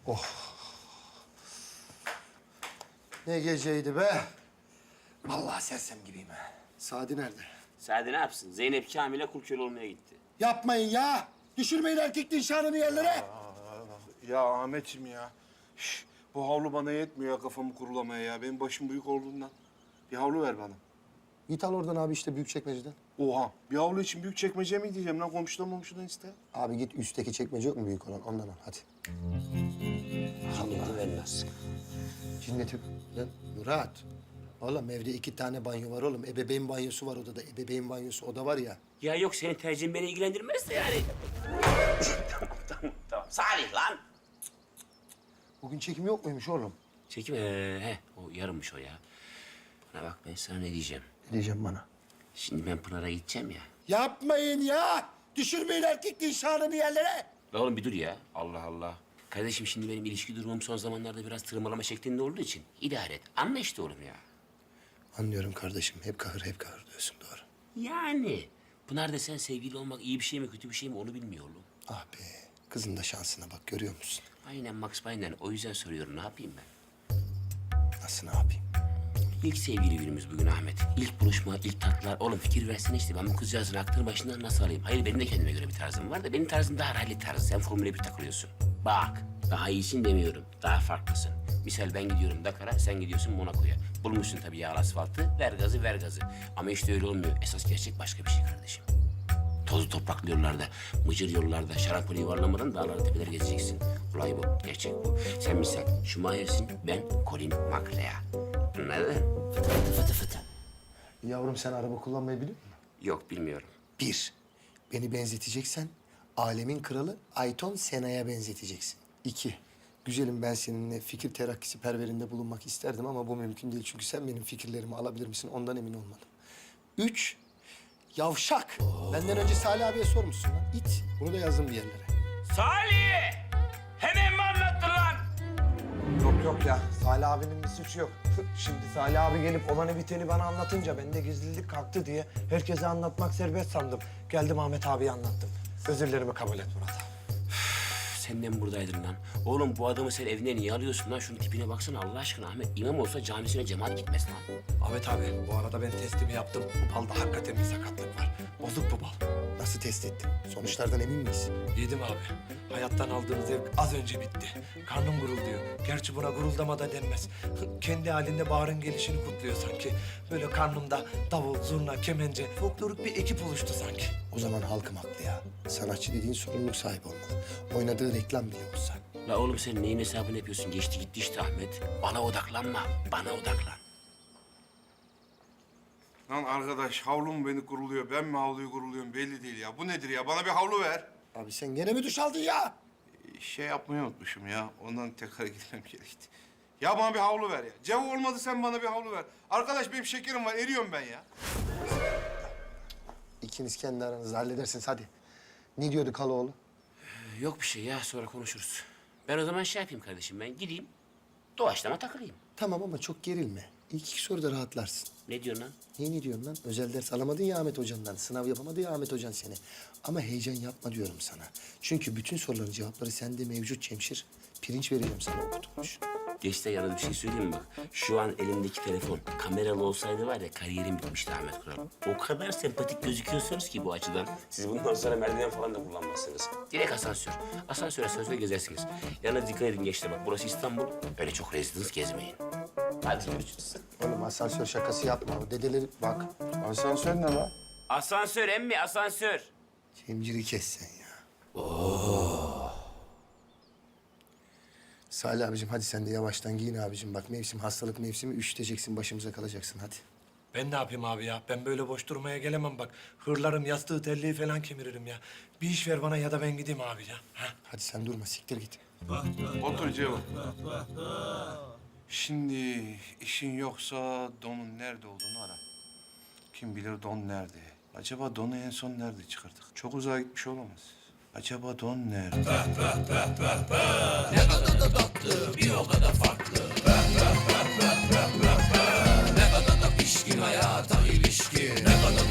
Oh. Ne geceydi be. Vallahi sersem gibiyim ha. Sadi nerede? Sade ne yapsın? Zeynep Kamil'e kul köle olmaya gitti. Yapmayın ya. Düşürmeyin erkekliğin şanını yerlere. Ya Ahmetciğim ya. Şş, bu havlu bana yetmiyor ya kafamı kurulamaya ya. Benim başım büyük olduğundan. Bir havlu ver bana. Git al oradan abi işte büyük çekmeceden. Oha. Bir havlu için büyük çekmece mi diyeceğim lan? Komşudan momşudan iste. Abi git üstteki çekmece yok mu büyük olan? Ondan al hadi. Cinneti vermez. Cinneti... Lan Murat. Oğlum evde 2 tane banyo var oğlum. Ebeveyn banyosu var odada. Ebeveyn banyosu oda var ya. Ya yok senin tercihin beni ilgilendirmez de yani. tamam. Salih lan. Bugün çekim yok muymuş oğlum? Çekim o yarınmış o ya. Bana bak ben sana ne diyeceğim. Ne diyeceğim bana? Şimdi ben Pınar'a gideceğim ya. Yapmayın ya. Düşürmeyin erkekliğin şanını yerlere. La oğlum bir dur ya. Allah Allah. Kardeşim şimdi benim ilişki durumum son zamanlarda biraz tırmalama şeklinde olduğu için idare et. Anla işte oğlum ya. Anlıyorum kardeşim. Hep kahır diyorsun doğru. Yani Pınar desen sevgili olmak iyi bir şey mi kötü bir şey mi onu bilmiyor oğlum. Ah be. Kızın da şansına bak görüyor musun? Aynen Max aynen. O yüzden soruyorum ne yapayım ben? Nasıl ne yapayım? İlk sevgili günümüz bugün Ahmet. İlk buluşma, ilk tatlar. Oğlum fikir versene işte. Ben bu kızcağızın aklını başından nasıl alayım? Hayır benim de kendime göre bir tarzım var da benim tarzım daha rally tarzı. Sen Formula 1 takılıyorsun. Bak daha iyisin demiyorum. Daha farklısın. Misal ben gidiyorum Dakar'a, sen gidiyorsun Monaco'ya. Bulmuşsun tabii yağlı asfaltı. Ver gazı, ver gazı. Ama işte öyle olmuyor. Esas gerçek başka bir şey kardeşim. Tozlu topraklı yollarda, mıcır yollarda, şarampole yuvarlamadan dağları tepeler gezeceksin. Olay bu, gerçek bu. Sen misal Schumacher'sin, ben Colin McRae. Anladın? Fıtı fıtı fıtı fıtı. Yavrum sen araba kullanmayı biliyor musun? Yok bilmiyorum. 1. Beni benzeteceksen alemin kralı Ayton Sena'ya benzeteceksin. 2. Güzelim ben seninle fikir terakkisi perverinde bulunmak isterdim ama bu mümkün değil. Çünkü sen benim fikirlerimi alabilir misin ondan emin olmadım. 3. Yavşak. Benden önce Salih abiye sormuşsun lan. İt. Bunu da yazdım bir yerlere. Salih! Hemen mi anlattın lan? Yok ya. Salih abinin bir suçu yok. Şimdi Salih abi gelip olanı biteni bana anlatınca ben de gizlilik kalktı diye herkese anlatmak serbest sandım. Geldim Ahmet abiye anlattım. Özürlerimi kabul et Murat abi. Sen de mi buradaydın lan? Oğlum bu adamı sen evine niye alıyorsun lan? Şunun tipine baksana Allah aşkına Ahmet. İmam olsa camisine cemaat gitmez lan. Ahmet abi bu arada ben testimi yaptım. Bu balda hakikaten bir sakatlık var. Bozuk bu bal. Nasıl test ettin? Sonuçlardan emin miyiz? Yedim abi. Hayattan aldığım zevk az önce bitti. Karnım gurulduyor. Gerçi buna guruldama da denmez. Kendi halinde baharın gelişini kutluyor sanki. Böyle karnımda davul, zurna, kemence, folklorik bir ekip oluştu sanki. O zaman halkım haklı ya. Sanatçı dediğin sorumluluk sahibi olmalı. Oynadığı reklam bile olsa. La oğlum sen neyin hesabını yapıyorsun? Geçti gitti işte Ahmet. Bana odaklanma. Bana odaklan. Lan arkadaş havlu mu beni kuruluyor, ben mi havluyu kuruluyorum belli değil ya. Bu nedir ya? Bana bir havlu ver. Abi sen gene mi duş aldın ya? Şey yapmayı unutmuşum ya. Ondan tekrar gitmem gerekti. Ya bana bir havlu ver ya. Cevap olmadı sen bana bir havlu ver. Arkadaş benim şekerim var, eriyorum ben ya. İkiniz kendi aranızda halledersiniz hadi. Ne diyordu Kaloğlu? Yok bir şey ya sonra konuşuruz. Ben o zaman şey yapayım kardeşim ben gideyim. Doğaçlama takılayım. Tamam ama çok gerilme. İlk 2 soruda rahatlarsın. Ne diyorsun lan? Niye ne diyorsun lan? Özel ders alamadın ya Ahmet Hoca'ndan. Sınav yapamadı ya Ahmet Hocan seni. Ama heyecan yapma diyorum sana. Çünkü bütün soruların cevapları sende mevcut Cemşir. Pirinç vereceğim sana okutmuş. Geçte yalnız bir şey söyleyeyim mi bak? Şu an elimdeki telefon kameralı olsaydı var ya kariyerim bitmişti Ahmet Kural. O kadar sempatik gözüküyorsunuz ki bu açıdan. Siz bundan sonra merdiven falan da kullanmazsınız. Direkt asansör. Asansör asansör gezersiniz. Yalnız dikkat edin gençler bak burası İstanbul. Öyle çok rezidans gezmeyin. Hadi görüşürüz. Oğlum asansör şakası yapma. O dedeleri bak. Asansör ne lan? Asansör emmi asansör. Cemciri kes sen ya. Salih abicim hadi sen de yavaştan giyin abicim. Bak mevsim hastalık mevsimi üşüteceksin başımıza kalacaksın hadi. Ben ne yapayım abi ya? Ben böyle boş durmaya gelemem bak. Hırlarım, yastığı, terliği falan kemiririm ya. Bir iş ver bana ya da ben gideyim abi ya. Ha? Hadi sen durma siktir git. Otur Cevap. Şimdi işin yoksa donun nerede olduğunu ara. Kim bilir don nerede? Acaba donu en son nerede çıkardık? Çok uzağa gitmiş olamaz. Acaba don nerede? Ne kadar da tatlı, bir o kadar farklı. Ne kadar da pişkin hayata ilişkin. Ne kadar